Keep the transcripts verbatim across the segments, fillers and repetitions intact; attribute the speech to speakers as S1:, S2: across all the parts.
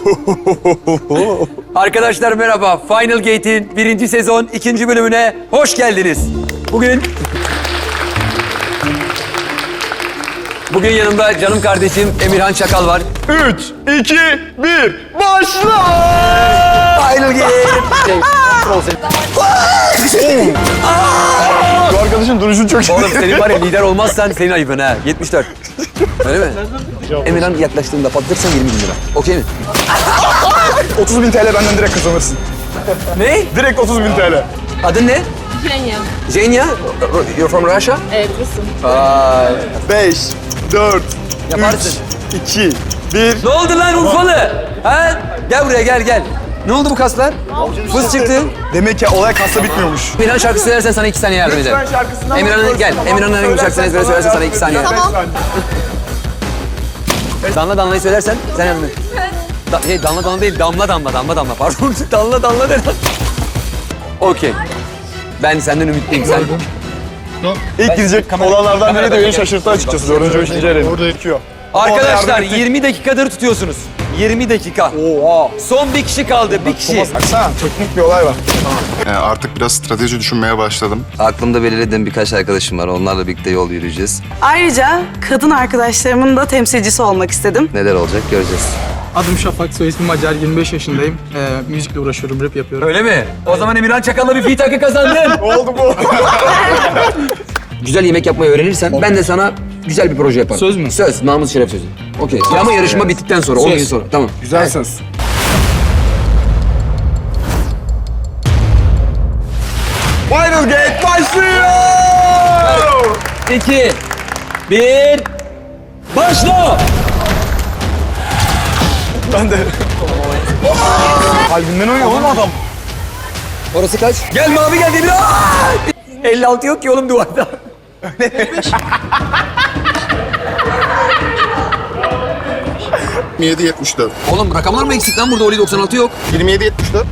S1: Arkadaşlar merhaba. Final Gate'in birinci sezon ikinci bölümüne hoş geldiniz. Bugün... Bugün yanımda canım kardeşim Emirhan Çakal var.
S2: Üç, iki, bir, başla!
S1: Final Gate!
S2: Bu arkadaşın duruşu çok iyi.
S1: Oğlum senin var ya lider olmazsan senin ayıbın ha. yetmiş dört. Öyle mi? Emirhan yaklaştığında patlatırsan yirmi bin lira. Okey mi?
S2: otuz bin T L benden direkt kazanırsın.
S1: Ne?
S2: Direkt otuz bin T L.
S1: Adın ne?
S3: Zenya.
S1: Zenya? You're from Russia?
S3: Evet, Rus'um.
S1: Vay.
S2: Beş, dört,
S1: Yaparsın.
S2: üç, iki, bir.
S1: Ne oldu lan Urfalı? Ha? Gel buraya gel gel. Ne oldu bu kaslar? Fıs çıktı.
S2: Demek ki olay kasta bitmiyormuş.
S1: Emirhan şarkı söylersen sana iki saniye yardım ederim.
S2: şarkısından
S1: Emirhan'ın gel. Emirhan'ın herhangi bir şarkısını ezbere söylersen sana iki saniye.
S2: Tamam.
S1: Danla Danla'yı söylersen sen yardım et. Da, şey, Danla Danla değil, Damla Damla, Damla Damla. Pardon, Danla Danla de. Okey. Ben senden ümitliyim. Sen...
S2: İlk gidecek olanlardan biri de beni şaşırttı açıkçası. Dördüncü, beşinci eleni. Orada yıkıyor.
S1: Arkadaşlar yirmi dakikadır tutuyorsunuz. yirmi dakika.
S2: Oha.
S1: Son bir kişi kaldı, bir kişi.
S2: Baksana, teknik bir olay var.
S4: Ee, artık biraz strateji düşünmeye başladım.
S5: Aklımda belirlediğim birkaç arkadaşım var. Onlarla birlikte yol yürüyeceğiz.
S6: Ayrıca kadın arkadaşlarımın da temsilcisi olmak istedim.
S5: Neler olacak göreceğiz.
S7: Adım Şafak, soy ismim Acar, yirmi beş yaşındayım. Ee, müzikle uğraşıyorum, rap yapıyorum.
S1: Öyle mi? O zaman Emirhan Çakal'la bir fit hakkı kazandın.
S2: Ne oldu bu?
S1: Güzel yemek yapmayı öğrenirsen ben de sana güzel bir proje yaparım.
S7: Söz mü?
S1: Söz, namus şeref sözü. Okey. Ama yarışma bittikten sonra, on gün sonra. Tamam.
S2: Güzel söz. Final Gate başlıyor!
S1: İki, bir, başla!
S2: Ben de. Kalbimden oynuyor oğlum adam.
S1: Orası kaç? Gel mavi gel Demir. elli altı yok ki oğlum duvarda.
S4: yirmi yedi yetmiş dört.
S1: Oğlum rakamlar mı eksik lan burada? Oli doksan altı yok.
S4: yirmi yedi yetmiş dört.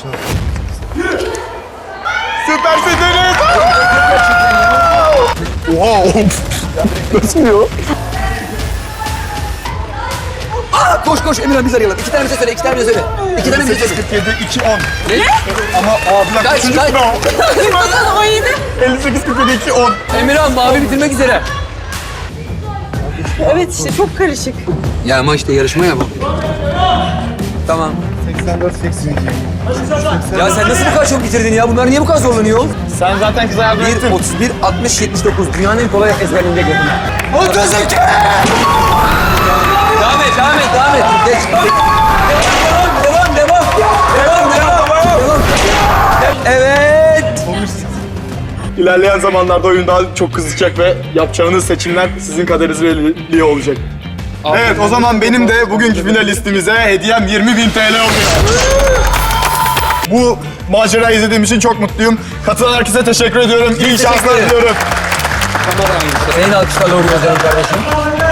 S2: Süpersin Deniz! Oha oğlum. Nasıl diyor?
S1: Aa, koş koş Emirhan biz arayalım. İki tane bize söyle, iki tane bize söyle. İki tane bize söyle.
S2: kırk yedi, iki, on.
S1: Ne?
S2: Ama aa bir dakika,
S1: Kaç,
S2: üçüncü
S1: kaç?
S2: sıra o.
S6: on yedi.
S2: elli sekiz, kırk yedi, iki, on.
S1: Emirhan mavi bitirmek üzere.
S6: Evet işte çok karışık.
S1: Ya ama işte yarışma ya bu. Tamam.
S2: seksen dört, seksen iki.
S1: Ya sen nasıl bu kadar çok bitirdin ya? Bunlar niye bu kadar zorlanıyor?
S2: Sen zaten kıza yardım ettin.
S1: bir, otuz bir, altmış, yetmiş dokuz. Dünyanın en kolay ezberinde geldim. otuz iki! Devam et, devam et, devam et. Geç. Devam, devam, devam. Devam, devam, devam. Evet.
S2: İlerleyen zamanlarda oyun daha çok kızacak ve yapacağınız seçimler sizin kaderiniz belirliyor olacak. Evet, o zaman benim de bugünkü finalistimize hediyem yirmi bin T L oluyor. Bu macerayı izlediğim için çok mutluyum. Katılan herkese teşekkür ediyorum. İyi şanslar
S1: ederim.
S2: diliyorum.
S1: Senin alkışlarla uğurluyor canım kardeşim.